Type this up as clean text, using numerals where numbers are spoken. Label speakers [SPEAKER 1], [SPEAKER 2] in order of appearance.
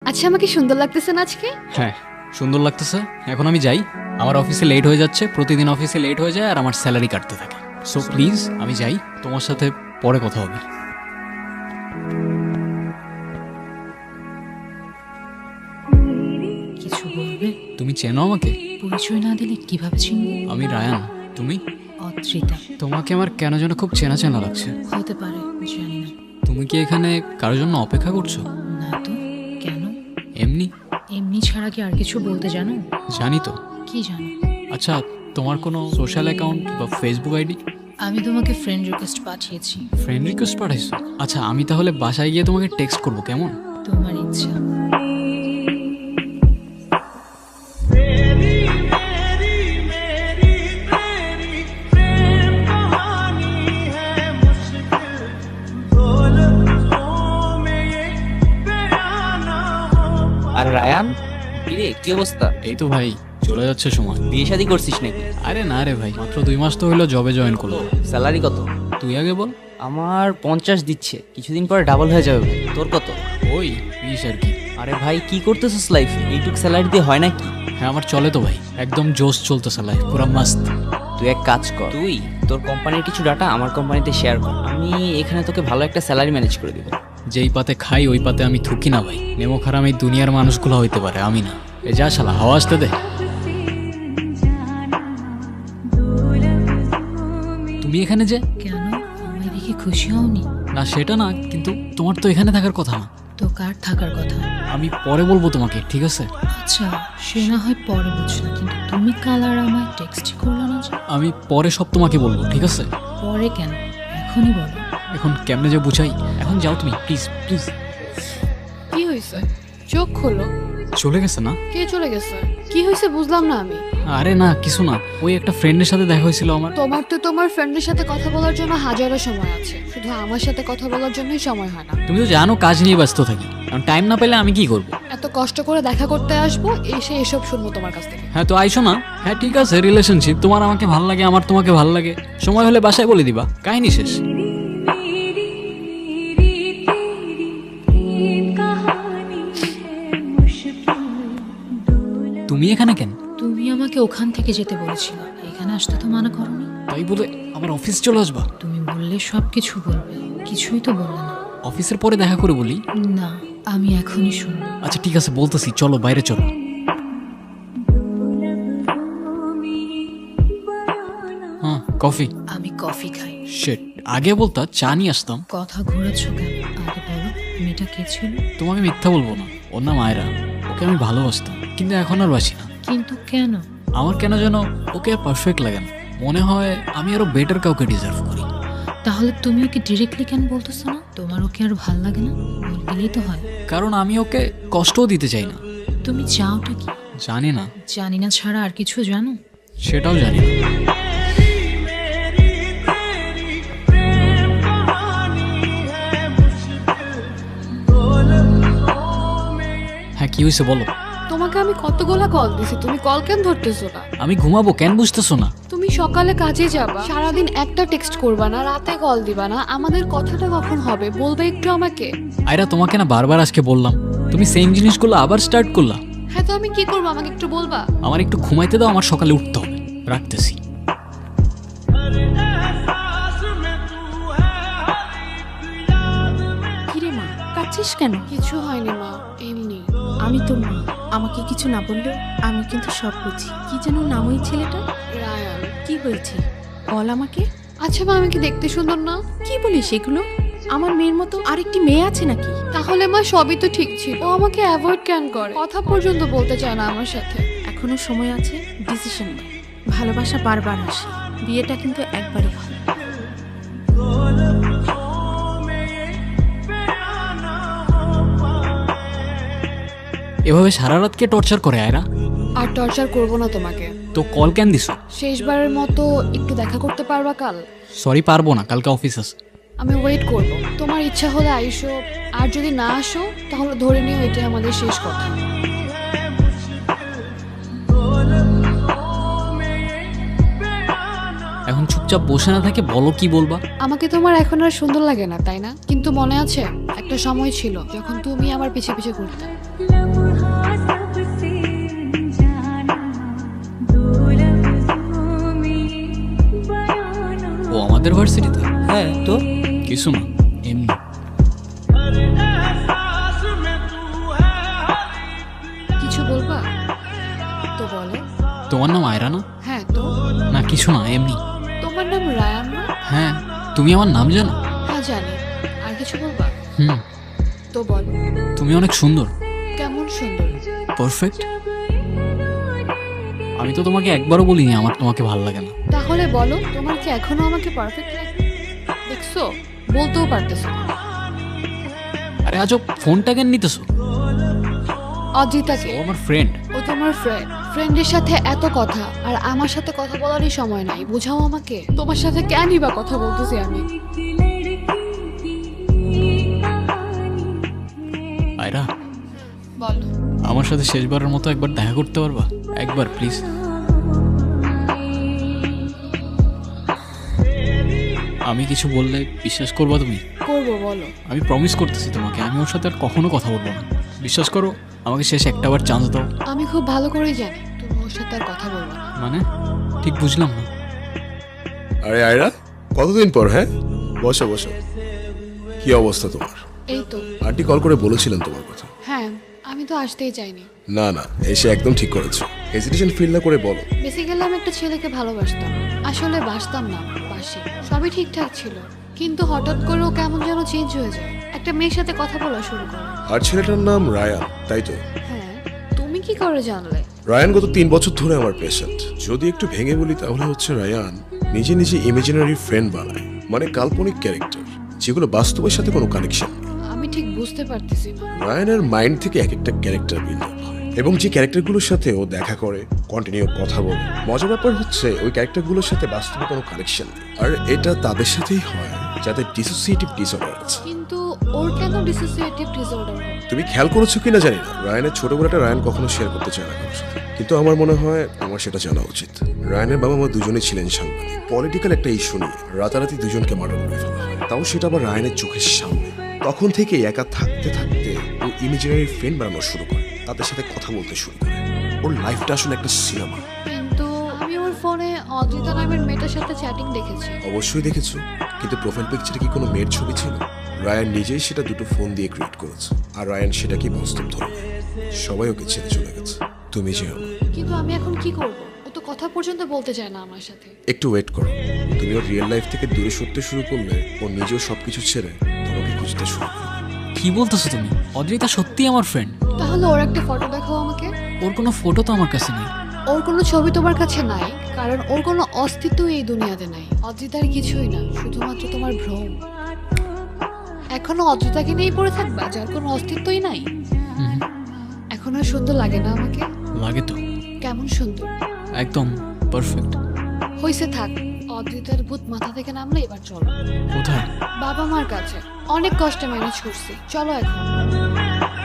[SPEAKER 1] আচ্ছা, আমাকে সুন্দর লাগতেছে না আজকে?
[SPEAKER 2] হ্যাঁ সুন্দর লাগতেছে। এখন আমি যাই, আমার অফিসে লেট হয়ে যাচ্ছে, প্রতিদিন অফিসে লেট হয়ে যায় আর আমার স্যালারি কাটতে থাকে। সো প্লিজ আমি যাই, তোমার সাথে পরে কথা হবে।
[SPEAKER 3] কিছু বলবে?
[SPEAKER 2] তুমি চেনো আমাকে?
[SPEAKER 3] পরিচয় না দিলে কিভাবে চিনবো?
[SPEAKER 2] আমি রায়ান। তুমি?
[SPEAKER 3] অদ্রিতা।
[SPEAKER 2] তোমাকে আমার কেন যেন খুব চেনা চেনা লাগছে।
[SPEAKER 3] হতে পারে, জানি না।
[SPEAKER 2] তুমি কি এখানে কারোর জন্য অপেক্ষা করছো?
[SPEAKER 3] না তো, কেন?
[SPEAKER 2] এমনি।
[SPEAKER 3] এমনি ছাড়া কি আর কিছু বলতে জানো?
[SPEAKER 2] জানি তো।
[SPEAKER 3] কি জানো?
[SPEAKER 2] আচ্ছা, তোমার কোনো সোশ্যাল অ্যাকাউন্ট বা ফেসবুক আইডি?
[SPEAKER 3] আমি তোমাকে ফ্রেন্ড রিকোয়েস্ট পাঠিয়েছি।
[SPEAKER 2] ফ্রেন্ড রিকোয়েস্ট পাঠাইছো? আচ্ছা, আমি তাহলে বাসায় গিয়ে তোমাকে টেক্সট করবো, কেমন?
[SPEAKER 3] তোমার ইচ্ছা।
[SPEAKER 4] আর রায়ান, কিরে কি অবস্থা?
[SPEAKER 2] এই তো ভাই, চলে যাচ্ছে সময়।
[SPEAKER 4] বিয়ে শাদী করছিস নাকি?
[SPEAKER 2] আরে না রে ভাই, মাত্র 2 মাস তো হইলো জবে জয়েন করলো।
[SPEAKER 4] স্যালারি কত?
[SPEAKER 2] তুই আগে বল।
[SPEAKER 4] আমার 50 দিচ্ছে, কিছুদিন পরে ডাবল হয়ে যাবে ভাই। তোর কত?
[SPEAKER 2] ওই 20 আর কি।
[SPEAKER 4] আরে ভাই কি করতেছিস লাইফে? এইটুক স্যালারি দিয়ে হয় নাকি?
[SPEAKER 2] হ্যাঁ আমার চলে তো ভাই, একদম জোশ চলতেছে লাইফ, পুরা মাস্ত।
[SPEAKER 4] তুই এক কাজ কর, তুই তোর কোম্পানির কিছু ডাটা আমার কোম্পানিতে শেয়ার কর, আমি এখানে তোকে ভালো একটা স্যালারি ম্যানেজ করে দিব।
[SPEAKER 2] যেই পাতে খাই ওই পাতে আমি থুকি না ভাই। নেমো খারাম এই দুনিয়ার মানুষগুলো হইতে পারে, আমি না। এ যা শালা, হাওয়া আসতে দে। তুমি এখানে যে?
[SPEAKER 3] কেন, আমায় দেখে খুশি হওনি?
[SPEAKER 2] না সেটা না, কিন্তু তোমার তো এখানে থাকার কথা না।
[SPEAKER 3] তো কার থাকার কথা?
[SPEAKER 2] আমি পরে বলবো তোমাকে, ঠিক আছে?
[SPEAKER 3] আচ্ছা, সে না হয় পরে বুঝলাম, কিন্তু তুমি কাল আর আমায় টেক্সট করলো না যে?
[SPEAKER 2] আমি পরে সব তোমাকে বলবো, ঠিক আছে?
[SPEAKER 3] পরে কেন, এখনই বলো।
[SPEAKER 2] এখন কেমনে যে বুঝাই, এখন যাও তুমি প্লিজ প্লিজ।
[SPEAKER 1] কি হয়েছে? চোখ খোলো।
[SPEAKER 2] চলে গেছে না?
[SPEAKER 1] কে চলে গেছে? কি হয়েছে বুঝলাম না আমি।
[SPEAKER 2] আরে না কিছু না, ওই একটা ফ্রেন্ডের সাথে দেখা হয়েছিল আমার।
[SPEAKER 1] তোমার তো তোমার ফ্রেন্ডের সাথে কথা বলার জন্য হাজারো সময় আছে, শুধু আমার সাথে কথা বলার জন্যই সময় হয় না।
[SPEAKER 2] তুমি তো জানো কাজ নিয়ে ব্যস্ত থাকি, কারণ টাইম না পেলে আমি কি করব?
[SPEAKER 1] এত কষ্ট করে দেখা করতে আসবো, এসে এসব শুনবো তোমার কাছ থেকে।
[SPEAKER 2] হ্যাঁ তো আইসো না। হ্যাঁ ঠিক আছে, রিলেশনশিপ, তোমার আমাকে ভাল লাগে, আমার তোমাকে ভাল লাগে, সময় হলে বাসায় বলে দিবা, কাহিনী শেষ। তুমি এখানে কেন?
[SPEAKER 3] তুমি আমাকে ওখান থেকে যেতে বলেছিলে, এখানে আসতে তো মানা করনি।
[SPEAKER 2] তাই বলে আমার অফিস চলে আসবা?
[SPEAKER 3] তুমি বললে সব কিছু বলবে, কিছুই তো বললে না।
[SPEAKER 2] অফিসের পরে দেখা করে বলি।
[SPEAKER 3] না, আমি এখনই শুনবো।
[SPEAKER 2] আচ্ছা ঠিক আছে বলতেছি, চলো বাইরে চলো। হ্যাঁ কফি।
[SPEAKER 3] আমি কফি খাই।
[SPEAKER 2] শিট, আগে বলতা চা নিয়ে আসতাম।
[SPEAKER 3] কথা ঘোরাচ্ছ কেন, আগে বলো মেয়েটা কে ছিল?
[SPEAKER 2] তোমাকে মিথ্যা বলবো না, ওর নাম আয়রা। ওকে আমি ভালোবাসতাম, কিন্তু এখন আর বাসি না।
[SPEAKER 3] কিন্তু কেন?
[SPEAKER 2] আমার কেন যেন ওকে আর পারফেক্ট লাগে না, মনে হয় আমি আরো বেটার কাউকে ডিজার্ভ করি।
[SPEAKER 3] তাহলে তুমি ওকে ডিরেক্টলি কেন বলতেছো না? তোমার ওকে আর ভাল লাগে না? বললেই তো হয়।
[SPEAKER 2] কারণ আমি ওকে কষ্টও দিতে চাই না।
[SPEAKER 3] তুমি চাওটা কি?
[SPEAKER 2] জানি না।
[SPEAKER 3] জানি না ছাড়া আর কিছু জানো?
[SPEAKER 2] সেটাও জানি না। হ্যাঁ কি হয়েছে বলো।
[SPEAKER 1] তোমাকে আমি কতগুলা কল দিছি, তুমি কল কেন ধরতেছো না?
[SPEAKER 2] আমি ঘুমাবো, কেন বুঝতেছো না?
[SPEAKER 1] তুমি সকালে কাজে যাবা, সারাদিন একটা টেক্সট করবা না, রাতে কল দিবা না, আমাদের কথাটা কখন হবে বলবে একটু আমাকে।
[SPEAKER 2] আয়রা তোমাকে না বারবার আজকে বললাম, তুমি সেম জিনিসগুলো আবার স্টার্ট করলা।
[SPEAKER 1] হ্যাঁ তো আমি কি করবো, আমাকে একটু বলবা?
[SPEAKER 2] আমার একটু ঘুমাইতে দাও, আমার সকালে উঠতে হবে। রাখতেছি।
[SPEAKER 5] কিরে মা, কাঁদছিস কেন?
[SPEAKER 1] কিছু হয়নি মা, এমনি।
[SPEAKER 5] আমি তো মা, আমাকে কিছু না বললেও আমি কিন্তু সব বুঝি। কি যেন নাম ওই ছেলেটা?
[SPEAKER 1] রায়ান।
[SPEAKER 5] কি হয়েছে বল আমাকে।
[SPEAKER 1] আচ্ছা মা, আমি কি দেখতে সুন্দর না?
[SPEAKER 5] কি বলিস এগুলো? আমার মেয়ের মতো আরেকটি মেয়ে আছে নাকি?
[SPEAKER 1] তাহলে মা সবই তো ঠিক ছিল, ও আমাকে অ্যাভয়েড কেন করে, কথা পর্যন্ত বলতে চায় না আমার সাথে।
[SPEAKER 5] এখনো সময় আছে, ডিসিশন নে। ভালোবাসা বারবার আসে, বিয়েটা কিন্তু একবারই হয়।
[SPEAKER 2] এভাবে সারা রাত কে টর্চার করে আয়রা?
[SPEAKER 1] আর টর্চার করবো না তোমাকে।
[SPEAKER 2] তো কল কেন দিছো?
[SPEAKER 1] শেষবারের মতো একটু দেখা করতে পারবা কাল?
[SPEAKER 2] সরি পারবো না, কালকে অফিস আছে।
[SPEAKER 1] আমি ওয়েট করব, তোমার ইচ্ছা হলে আইসো, আর যদি না আসো তাহলে ধরে নিও এটাই আমাদের শেষ কথা।
[SPEAKER 2] এখন চুপচাপ বসে না থাকে বলো কি বলবা।
[SPEAKER 1] আমাকে তোমার এখন আর সুন্দর লাগে না তাই না? কিন্তু মনে আছে একটা সময় ছিল যখন তুমি আমার পিছে পিছে ঘুরতে।
[SPEAKER 2] আমাদের ভার্সিটিতে?
[SPEAKER 4] হ্যাঁ তো
[SPEAKER 2] কিছু না, এমনি।
[SPEAKER 1] কিছু বলবা তো বলো।
[SPEAKER 2] তোমার নাম আয়রা না?
[SPEAKER 1] হ্যাঁ তো।
[SPEAKER 2] না কিছু না, এমনি।
[SPEAKER 1] তোমার নাম রায়ান না?
[SPEAKER 2] হ্যাঁ, তুমি আমার নাম জানো?
[SPEAKER 1] হ্যাঁ জানি। আর কিছু বলবা
[SPEAKER 2] হুম,
[SPEAKER 1] তো বলো।
[SPEAKER 2] তুমি অনেক সুন্দর।
[SPEAKER 1] কেমন সুন্দর?
[SPEAKER 2] পারফেক্ট। আমি তো তোমাকে একবারও বলিনি আমার তোমাকে ভালো লাগে না।
[SPEAKER 1] তাহলে বলো, তোমার কি এখনো আমাকে পারফেক্ট লাগে? দেখছো, বলতেও পারতেছো না।
[SPEAKER 2] আরে আজব, ফোনটা কেন নিতেছো?
[SPEAKER 1] অজিতাকে।
[SPEAKER 2] ও আমার ফ্রেন্ড।
[SPEAKER 1] ও তোমার ফ্রেন্ড। ফ্রেন্ডের সাথে এত কথা, আর আমার সাথে কথা বলারই সময় নাই। বোঝাও আমাকে, তোমার সাথে কেনই বা কথা বলতেছি আমি।
[SPEAKER 2] আয়রা,
[SPEAKER 1] বলো।
[SPEAKER 2] আমার সাথে শেষবারের মতো একবার দেখা করতে পারবা? একবার প্লিজ। আমি কিছু বললে বিশ্বাস করবা তুমি?
[SPEAKER 1] করবো, বলো।
[SPEAKER 2] আমি প্রমিস করতেছি তোমাকে, আমি ওর সাথে আর কখনো কথা বলবো না। বিশ্বাস করো, আমাকে শেষ একটাবার চান্স দাও।
[SPEAKER 1] আমি খুব ভালো করেই জানি তুমি ওর সাথে আর কথা বলবো না।
[SPEAKER 2] মানে ঠিক বুঝলাম না।
[SPEAKER 6] আরে আয়রা, কতদিন পর? হ্যাঁ, বসো বসো। কি অবস্থা তোমার?
[SPEAKER 1] এই তো।
[SPEAKER 6] আন্টি কল করে বলেছিলেন তোমার কথা।
[SPEAKER 1] হ্যাঁ, আমি তো আসতেই চাইনি।
[SPEAKER 6] না না, এসে একদম ঠিক করেছো। হেজিটেশন ফিল না করে বলো।
[SPEAKER 1] বেসিক্যালি আমি একটা ছেলেকে ভালোবাসতাম। আসলে বাসতাম না, বাসি। সবই ঠিকঠাক ছিল, কিন্তু হঠাৎ করে ও কেমন যেন চেঞ্জ হয়ে যায়। একটা মেয়ের সাথে কথা বলা শুরু করে।
[SPEAKER 6] আর ছেলেটার নাম রায়ান, তাই তো?
[SPEAKER 1] হ্যাঁ, তুমি কি করে জানলে?
[SPEAKER 6] রায়ান গত 3 বছর ধরে আমার পেশেন্ট। যদি একটু ভেঙে বলি তাহলে হচ্ছে রায়ান নিজে নিজে ইমাজিনারি ফ্রেন্ড বানায়, মানে কাল্পনিক ক্যারেক্টার, যেগুলো বাস্তবের সাথে কোনো কানেকশন।
[SPEAKER 1] আমি ঠিক বুঝতে পারতেছি না।
[SPEAKER 6] রায়ানের মাইন্ড থেকে এক একটা ক্যারেক্টার বিল্ড আপ হয়, এবং যে ক্যারেক্টারগুলোর সাথে ও দেখা করে, কন্টিনিউ কথা বলে। মজার ব্যাপার হচ্ছে ওই ক্যারেক্টারগুলোর সাথে বাস্তবে কোনো কানেকশন নেই। আর এটা তাদের সাথেই হয় যাদের ডিসোসিয়েটিভ ডিসঅর্ডার আছে।
[SPEAKER 1] কিন্তু ওর কেন ডিসোসিয়েটিভ ডিসঅর্ডার হবে?
[SPEAKER 6] তুমি খেয়াল করেছো কিনা জানি না, রায়ানের ছোটবেলাটা রায়ান কখনো শেয়ার করতে চায় না কারোর সাথে, কিন্তু আমার মনে হয় আমার সেটা জানা উচিত। রায়ানের বাবা মা দুজনেই ছিলেন সাংবাদিক। পলিটিক্যাল একটা ইস্যু নিয়ে রাতারাতি দুজনকে মার্ডার করে ফেলা হয়, তাও সেটা আবার রায়ানের চোখের সামনে। তখন থেকে একা থাকতে থাকতে ও ইমেজিনারি ফ্রেন্ড বানানো শুরু করে, তাদের সাথে কথা বলতে শুরু করে। ওর লাইফটা আসলে একটা সিনেমা।
[SPEAKER 1] কিন্তু আমি ওর ফোনে অদ্রিতা নামের মেয়েটার সাথে চ্যাটিং দেখেছি।
[SPEAKER 6] অবশ্যই দেখেছো, কিন্তু প্রোফাইল পিকচারে কি কোনো মেয়ের ছবি ছিল? রায়ান নিজেই সেটা দুটো ফোন দিয়ে ক্রিয়েট করেছে, আর রায়ান সেটাকে বাস্তব ধরে নেয়। সবাই ওকে ছেড়ে চলে গেছে, তুমি যেও না।
[SPEAKER 1] কিন্তু আমি এখন কি করব? ও তো কথা পর্যন্ত বলতে চায় না আমার সাথে।
[SPEAKER 6] একটু ওয়েট করো, তুমি ওর রিয়েল লাইফ থেকে দূরে সরতে শুরু করলে ও নিজেও সবকিছু ছেড়ে তোমাকে খুঁজতে শুরু করবে।
[SPEAKER 2] কি বলতেছো তুমি? অদ্রিতা সত্যি আমার ফ্রেন্ড।
[SPEAKER 1] তাহলে ওর একটা ফটো দেখাও আমাকে।
[SPEAKER 2] ওর কোনো ফটো তো আমার কাছে নেই।
[SPEAKER 1] ওর কোনো ছবি তোমার কাছে নাই, কারণ ওর কোনো অস্তিত্ব এই দুনিয়াতে নাই। অদ্রিতার কিছুই না, শুধুমাত্র তোমার ভ্রম। এখনো অদ্রিতাকে নিয়েই পড়ে থাকবা, যার কোনো অস্তিত্বই নাই।
[SPEAKER 2] হুম,
[SPEAKER 1] এখন আর সুন্দর লাগে না আমাকে?
[SPEAKER 2] লাগে তো।
[SPEAKER 1] কেমন সুন্দর!
[SPEAKER 2] একদম পারফেক্ট।
[SPEAKER 1] হইছে, থাক। অদ্রিতার ভূত মাথা থেকে নামলে এবার চলো
[SPEAKER 2] কোথায়?
[SPEAKER 1] বাবা মার কাছে। অনেক কষ্টে ম্যানেজ করছি, চলো এখন।